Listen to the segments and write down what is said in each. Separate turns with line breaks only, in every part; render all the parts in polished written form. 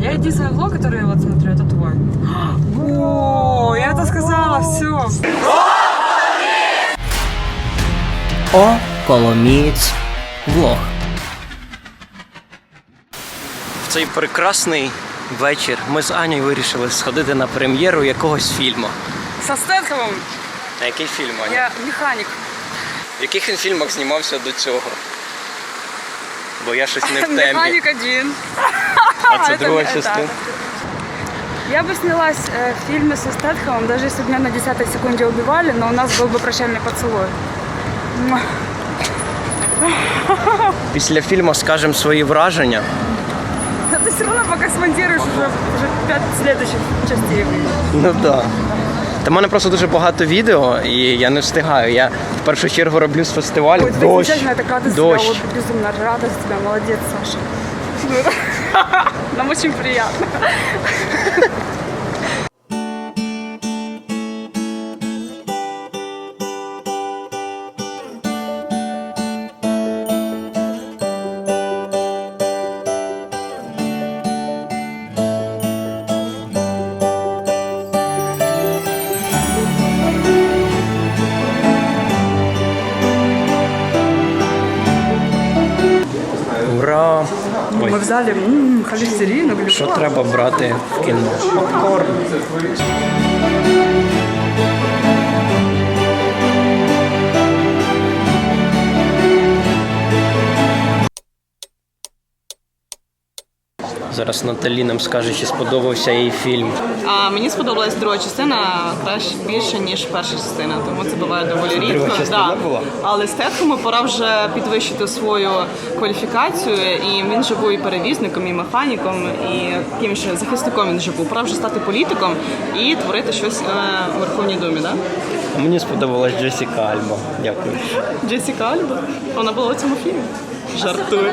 Я единственный влог, который я вот смотрю, это твой. О, я это сказала, все.
О, Коломієць влог. В цей прекрасний вечір ми з Анею вирішили сходити на прем'єру якогось фільму.
Со Стэтхэмом.
На який фільм, Аня?
Я механик.
В яких він фільмах знімався до цього? Бо я щось не в темі.
Механик 1.
А це друга частина.
Я бы снялась в фильме со Стэтхэмом, даже если бы меня на 10-й секунде убивали, но у нас был бы прощальный поцелуй.
Після фільму скажемо свої враження.
Да ты все равно пока смонтируешь, уже 5 следующих частей выйдет.
Ну так. Да. Та в мене просто дуже багато відео, і я не встигаю. Я в першу чергу роблю з фестивалю.
Ой,
Дощ.
замечательно, я так рада за тебя, вот, безумно рада за тебя, молодец, Саша. Нам очень приятно.
Ура! Ой,
Мы в зале холестерин, глюкоза.
що треба брати в кіно? Попкорн. Зараз Наталі нам скаже, чи сподобався їй фільм.
Мені сподобалась друга частина краще більше, ніж перша частина, тому це буває доволі рідко.
Друга частина була?
Але Стетхему пора вже підвищити свою кваліфікацію, і він же був і перевізником, і механіком, і яким ще захисником він же був. Пора вже стати політиком і творити щось у Верховній Думі, да?
Мені сподобалась Джесіка Альба. Дякую.
Джесіка Альба, вона була у цьому фільмі. Жартую.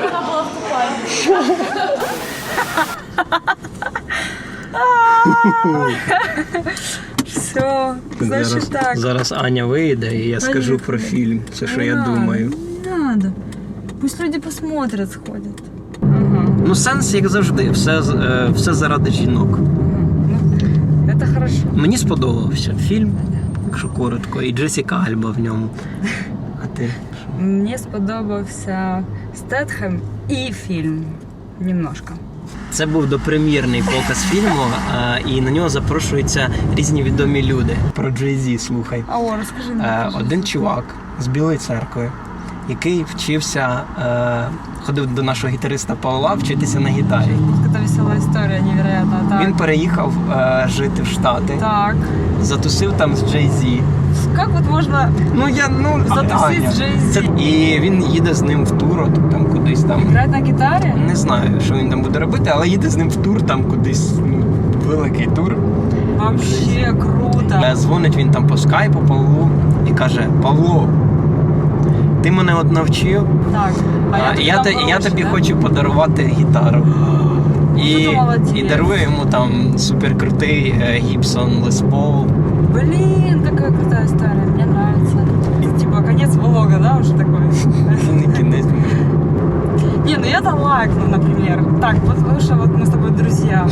Все, значит так.
Зараз Аня вийде, і я скажу про фільм. Це що я думаю.
Не надо. Пусть люди посмотрят, сходят.
Ну, сенс, як завжди, все заради жінок.
Это хорошо.
Мені сподобався фільм, якщо коротко, і Джесіка Альба в ньому. А ти?
Мне сподобався Стетхем і фільм. Немножко.
Це був допрем'єрний показ фільму, і на нього запрошуються різні відомі люди. Про Джей-Зі слухай.
О, розкажи мені.
Один чувак з Білої церкви, який вчився, ходив до нашого гітариста Павла вчитися на гітарі.
Це весела історія, невероятно. Так.
Він переїхав жити в Штати,
Так.
затусив там з Джей-Зі.
Як от можна затусити з Джей-Зі?
І він їде з ним в тур, от, там кудись там.
Грати на гітарі?
Не знаю, що він там буде робити, але їде з ним в тур, там кудись, великий тур.
Вообще круто.
Дзвонить він там по скайпу Павлу і каже: Павло, ти мене от навчив,
Так.
я тобі хочу подарувати гітару. І дарує йому там суперкрутий Gibson Les Paul.
Блин, какая крутая история, мне нравится. Типа конец влога, да, уже такой?
Не кінець.
Не, ну я-то лайкну, например. Так, потому что вот мы с тобой друзья.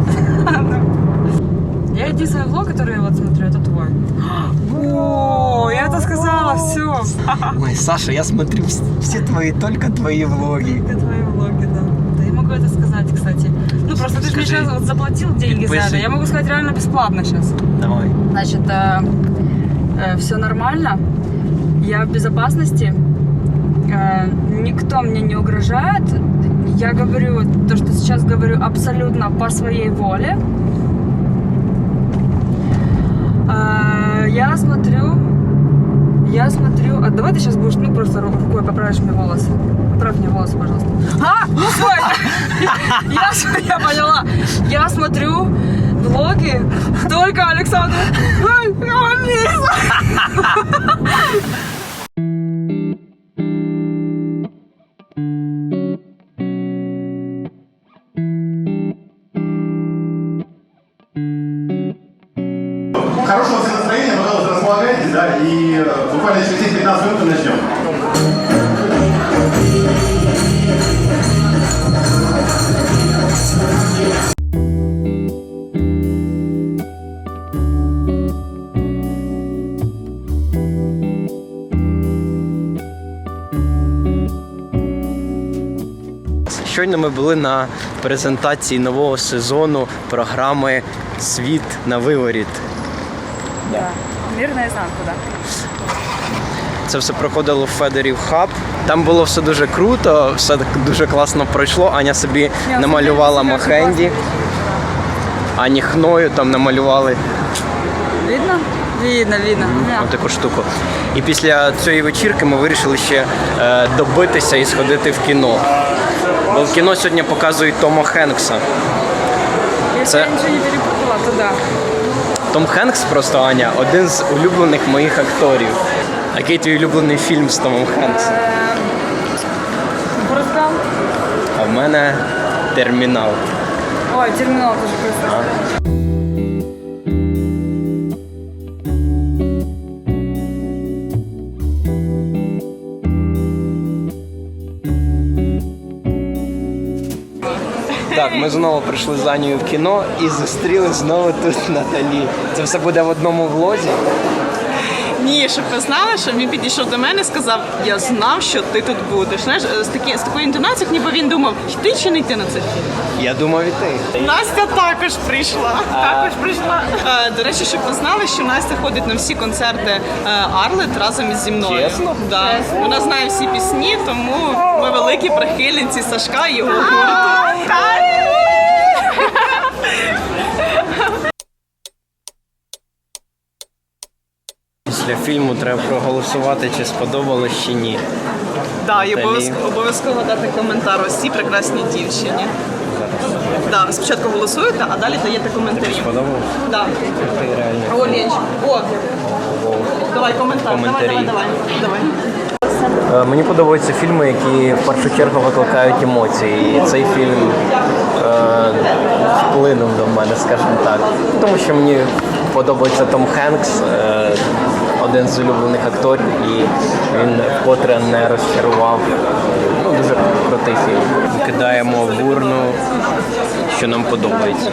Я единственный влог, который я вот смотрю, это твой. О, я это сказала, все.
Ой, Саша, я смотрю все только твои влоги.
Только твои влоги, да. Да я могу это сказать, кстати. Ну просто ты же мне сейчас вот заплатил деньги за это. Я могу сказать реально бесплатно сейчас.
Давай.
Значит, все нормально. Я в безопасности. Никто мне не угрожает. Я говорю то, что сейчас говорю, абсолютно по своей воле. Я смотрю, а давай ты сейчас будешь, ну просто рукой поправишь мне волосы. Поправь мне волосы, пожалуйста. Ну стой! Я поняла. Я смотрю влоги только Александра.
Хорошего всем настроения, пожалуйста, располагайтесь, да, и буквально через 10-15 минут мы начнем.
Щойно ми були на презентації нового сезону програми «Світ на виворіт».
Мир наизнанку, да.
Це все проходило в Федорів хаб. Там було все дуже круто, все так дуже класно пройшло. Аня собі намалювала Мохенді, Ані Хною там намалювали
Видно? Видно.
таку штуку. І після цієї вечірки ми вирішили ще добитися і сходити в кіно. Бо в кіно сьогодні показують Тома Хенкса.
Если я ничего не перепутала, то да.
Том Хенкс просто, Аня, один з улюблених моїх акторів. А який твій улюблений фільм з Томом Хенксом?
Форест Гамп?
А в мене «Термінал».
Ой, терминал тоже красиво.
Так, ми знову прийшли з Анією в кіно і зустріли знову тут Наталі. Це все буде в одному влозі.
Ні, щоб ви знали, що він підійшов до мене і сказав, я знав, що ти тут будеш. Знаєш, з такою інтонацією, ніби він думав, йти чи не йти на цей фільм.
Я думав іти.
Настя також прийшла. До речі, щоб ви знали, що Настя ходить на всі концерти Арлет разом зі мною.
Чесно?
Да. Вона знає всі пісні, тому ми великі прихильниці Сашка і його гурту.
Після фільму треба проголосувати, чи сподобалось, чи ні.
Да, і
Наталі.
обов'язково дати коментар ось цій прекрасній дівчині. Да, ви спочатку голосуєте, а далі даєте коментарі.
Сподобалось?
Да.
Ти реально.
О, Ленч. О. Давай коментар.
Коментарі.
Давай.
Мені подобаються фільми, які в першу чергу викликають емоції. І цей фільм вплинув до мене, скажімо так. Тому що мені подобається Том Хенкс, один з улюблених акторів, і він вкотре не розчарував. Ну, дуже крутий фільм. Кидаємо в урну, що нам подобається.